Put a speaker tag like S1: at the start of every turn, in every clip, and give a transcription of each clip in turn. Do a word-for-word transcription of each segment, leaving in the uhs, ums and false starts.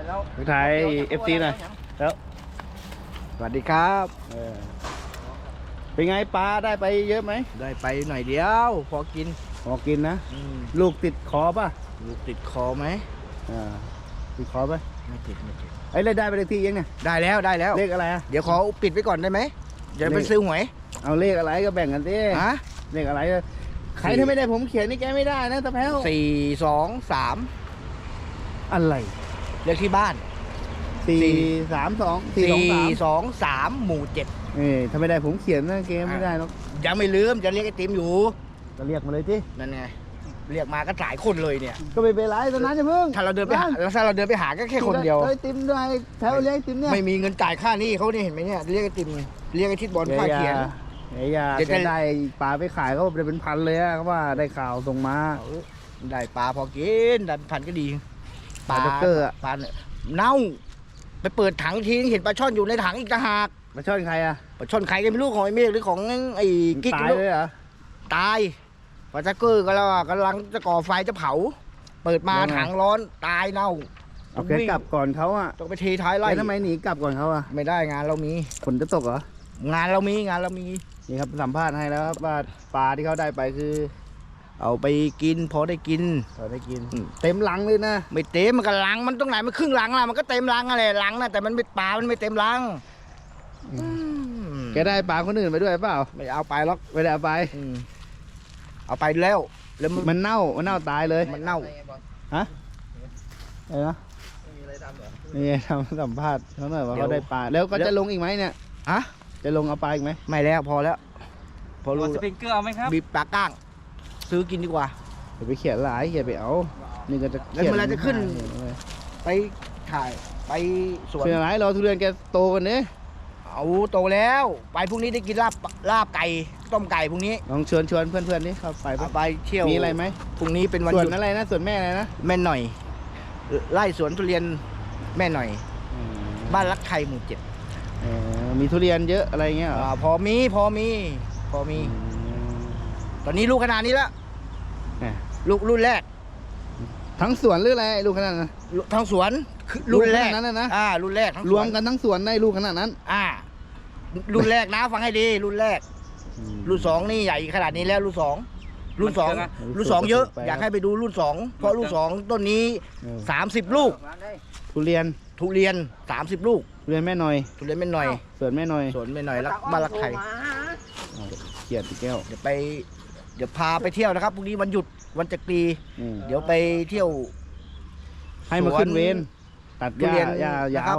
S1: ไปถ่ายเอฟซีหน่อยแล้วสวัสดีครับเป็นไงปลาได้ไปเยอะไหม
S2: ได้ไปหน่อยเดียวพอกิน
S1: พอกินนะลูกติดคอป่ะ
S2: ลูกติดคอไหม
S1: อ่าติดคอป่ะ
S2: ไม่ติดไม่ติด
S1: ไอ้เลยได้ไปเลขที่ยังเนี่ย
S2: ได้แล้วได้แล้ว
S1: เลขอะไรอ่ะ
S2: เดี๋ยวขอปิดไว้ก่อนได้ไหมเดี๋ยวไปซื้อหวย
S1: เอาเลขอะไรก็แบ่งกันดิ
S2: ฮะ
S1: เลขอะไรใครถ้าไม่ได้ผมเขียนนี่แกไม่ได้นะตะแพ้ว
S2: สี่สองสาม
S1: อะไร
S2: เลขที่บ้าน
S1: สี่สามสอง
S2: สี่สองสามหมู่เจ็ด
S1: เออถ้าไม่ได้ผมเขียนนะเกมไม่ได้หรอก
S2: ยังไม่ลืมจะเรียกไอติมอยู่
S1: ก็เรียกมาเลยที่
S2: นั่นไงเรียกมาก็หลายคนเลยเนี่ย
S1: ก็ไม่เป็นไรตอนนั้นจะเพิ่ง
S2: ถ้าเราเดินไปหาถ้าเราเดินไปหาก็แค่คนเดียว
S1: ไอติมด้วยแถวเรียกไอติมเนี่ย
S2: ไม่มีเงินจ่ายค่านี่เขาเนี่ยเห็นไหมเนี่ยเรียกไอติมเรียกไอทิศบอลค่าเขียน
S1: เฮียจะได้ปลาไปขายเขาเป็นพันเลยอะเขาว่าได้ข่าวส่งมา
S2: ได้ปลาพอกินได้พันก็ดี
S1: ปลาด็อกเกอร์
S2: ปลาเน่าไปเปิดถังทีเห็นปลาช่อนอยู่ในถังอีกต่างหาก
S1: ปลาช่อนใครอะ
S2: ปลาช่อนใครกันไม่รู้ของไอ้เมฆหรือของไอ้กิ๊ก
S1: ตายเลยเหรอ
S2: ตายปลาด็อกเกอร์ก็แล้วกำลังจะก่อไฟจะเผาเปิดมาถังร้อนตายเน่า
S1: เอาแกกลับก่อนเขาอะ
S2: ต้องไปเทท้ายไล่
S1: ทำไมหนีกลับก่อนเขาอะ
S2: ไม่ได้งานเรามี
S1: ฝนจะตกเหร
S2: องานเรามีงานเรามี
S1: นี่ครับสัมภาษณ์ให้แล้วครับว่าปลาที่เขาได้ไปคือ
S2: เอาไปกินพอได้กิน
S1: พอได้กินเต็มลังเลยนะ
S2: ไม่เต็มมันก็ลังมันตรงไหนมันครึ่งลังละมันก็เต็มลังอะไรลังนะแต่มันไม่ปลามันไม่เต็มลัง
S1: แกได้ปลาคนอื่นไปด้วยเปล่า
S2: ไม่เอาไปหรอก
S1: ไม่ได้เอาไป
S2: เอาไปแล้วแล้ว
S1: มันเน่ามันเน่าตายเลย
S2: มันเน่า
S1: ฮะอะไรนะนี่ทำสัมภาษณ์เขาหน่อยว่าเขาได้ปลาแล้วก็จะลงอีกไหมเนี่ย
S2: ฮะ
S1: จะลงเอาปลาอีกไหม
S2: ไม่แล้วพอแล้ว
S3: พอรู้สปริงเกอร์เอาไหมครับ
S2: บีบปลาก้างซื้อกินดีกว่า
S1: เดี๋ยวไปเขียนหลายเขียนไปเอานี่ก็จะ
S2: แล้วเวลาจะขึ้นไปถ่ายไปสวน
S1: เขียนหลายรอทุเรียนแกโตกันเนี่ย
S2: เอาโตแล้วไปพรุ่งนี้ได้กินลาบลาบไก่ต้มไก่พรุ่งนี้
S1: ลองชวนชวนเพื่อนๆนี่เขาไป
S2: ไปเที่ยว
S1: มีอะไรไหม
S2: พรุ่งนี้เป็นวัน
S1: สวนอะไรนะสวนแม่อะไรนะ
S2: แม่หน่อยไล่สวนทุเรียนแม่หน่อยบ้านรักไทยหมู่เจ็ด
S1: มีทุเรียนเยอะอะไรเงี้ย
S2: พอมีพอมีพอมีตอนนี้ลูกขนาดนี้แล้วลูกรุ่นแรก
S1: ทั้งสวนหรืออะไรลูกขนาดนั้น
S2: ทั้งสวนรุ่นแรก
S1: นั้นนะ
S2: อ่ารุ่นแรก
S1: รวมกันทั้งสวนได้ลูกขนาดนั้น
S2: อ่ารุ่นแรกนะฟังให้ดีรุ่นแรกรุ่นสองนี่ใหญ่ขนาดนี้แล้วรุ่นสองรุ่นสองรุ่นสองเยอะอยากให้ไปดูรุ่นสองเพราะรุ่นสองต้นนี้สามสิบลูก
S1: ทุเรียน
S2: ทุเรียนสามสิบลูก
S1: ทุเรียนแม่หน่อย
S2: ทุเรียนแม่หน่อย
S1: สวนแม่หน่อย
S2: สวนแม่หน่อยรักบ้านรักไทย
S1: เกียรติแก้ว
S2: เดี๋ยวไปเดี๋ยวพาไปเที่ยวนะครับพรุ่งนี้วันหยุดวันจักรีเดี๋ยวไปเที่ยว
S1: ให้มาขึ้นเวรตัดหญ้าหญ้ายาว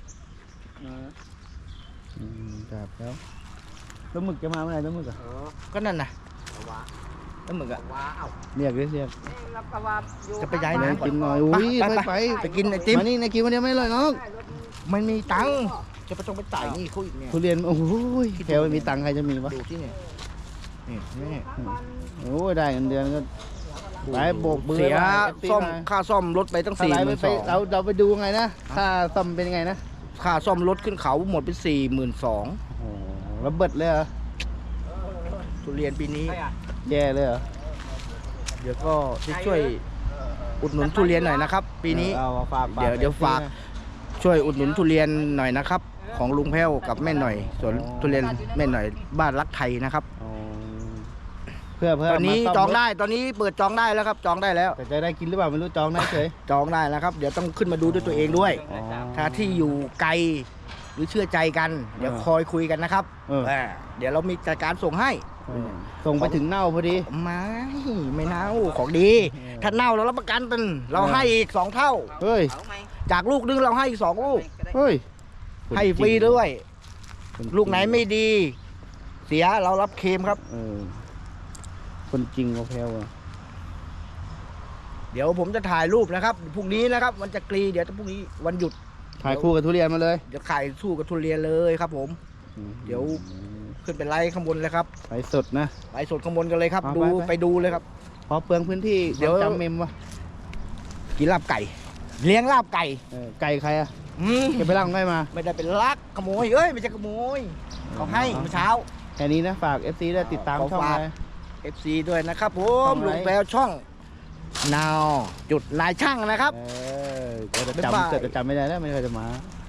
S1: ครับแล้วแล้วหมึกจะมาเมื่อไหร่แล้วหมึกอ่ะ
S2: ก็นั่นน่ะแล้วหมึกอ่ะ
S1: เรียกเรียกเรียก
S2: จะไปย้ายไหน
S1: กินหน่อยอุ้ยไปไป
S2: ไปกินไอติม
S1: มานี่ในกินวันนี้ไม่เลยน้อง
S2: มันมีตังค์จะไปต้องไปจ่ายนี่เขาอีกเนี่ย
S1: ทุเรียนโอ้ยแถวมีตังค์ใครจะมีวะ
S2: ดูที่เนี่ยนี่นี่
S1: โอ้ยได้เงินเดือนก็ไปโบกมือ
S2: เสียซ่อมค่าซ่อมรถไปตั้งสี่หมื่นสอง
S1: เราเราไปดูไงนะค่าซ่อมเป็นยังไงนะ
S2: ค่าซ่อมรถขึ้นเขาหมดเป็นสี่หมื่นสอง
S1: โอ้แล้วเบิดเลยเหรอ
S2: ทุเรียนปีนี้
S1: แย่เลยเหรอ
S2: เดี๋ยวก็จะช่วยอุดหนุนทุเรียนหน่อยนะครับปีนี้เดี๋ยวเดี๋ยวฝากช่วยอุดหนุนทุเรียนหน่อยนะครับของลุงแพ้วกับแม่หน่อยสวนทุเรียนแม่หน่อยบ้านรักไทยนะครับ
S1: เพื่อเพื่อ
S2: ตอนนี้จองได้ตอนนี้เปิดจองได้แล้วครับจองได้แล้ว
S1: แต่จะได้กินหรือเปล่าไม่รู้จองได้เฉย
S2: จองได้แล้วครับเดี๋ยวต้องขึ้นมาดูด้วยตัวเองด้วยถ้าที่อยู่ไกลหรือเชื่อใจกันเดี๋ยวคอยคุยกันนะครับเดี๋ยวเรามีจัดการส่งให้
S1: ส่งไปถึงเน่าพอดี
S2: ไม่ไม่เน่าของดีถ้าเน่าเรารับประกันเป็นเราให้อีกสองเท่า
S1: เฮ้ย
S2: จากลูกนึงเราให้อีกสองลูก
S1: เฮ้ย
S2: ให้ฟรีด้วยลูกไหนไม่ดีเสียเรารับเคมครับ
S1: คนจริงก็แพ้ว
S2: เดี๋ยวผมจะถ่ายรูปนะครับพรุ่งนี้นะครับวันจักรีเดี๋ยวพรุ่งนี้วันหยุด
S1: ถ่ายคู่กับทุเรียนมาเลย
S2: เดี๋ยวถ่ายสู้กับทุเรียนเลยครับผมเดี๋ยวขึ้นไปไล่ข้างบนเลยครับ
S1: ไลสดนะ
S2: ไล่สดข้างบนกันเลยครับดูไปดูเลยครับ
S1: พอเปลืองพื้นที่เดี๋ยวจำเมมวะ
S2: กินลาบไก่เลี้ยงลาบไก่
S1: ไก่ใครอ่ะเก็บไปลังได้มา
S2: ไม่ได้เป็นลักขโมยเอ้ยไม่ใช่ขโมยเขาให้เมื่อเช้า
S1: แค่นี้นะฝาก เอฟ ซี ได้ติดตามช่อง
S2: เอฟ ซี ด้วยนะครับผมลุงแปลช่องนาวจุดนายช่างนะครับ
S1: เออเกิดจะ
S2: บ๊ายบาย
S1: จำเกิดจะจำไม่ได้แล้วไม่เคยจะมา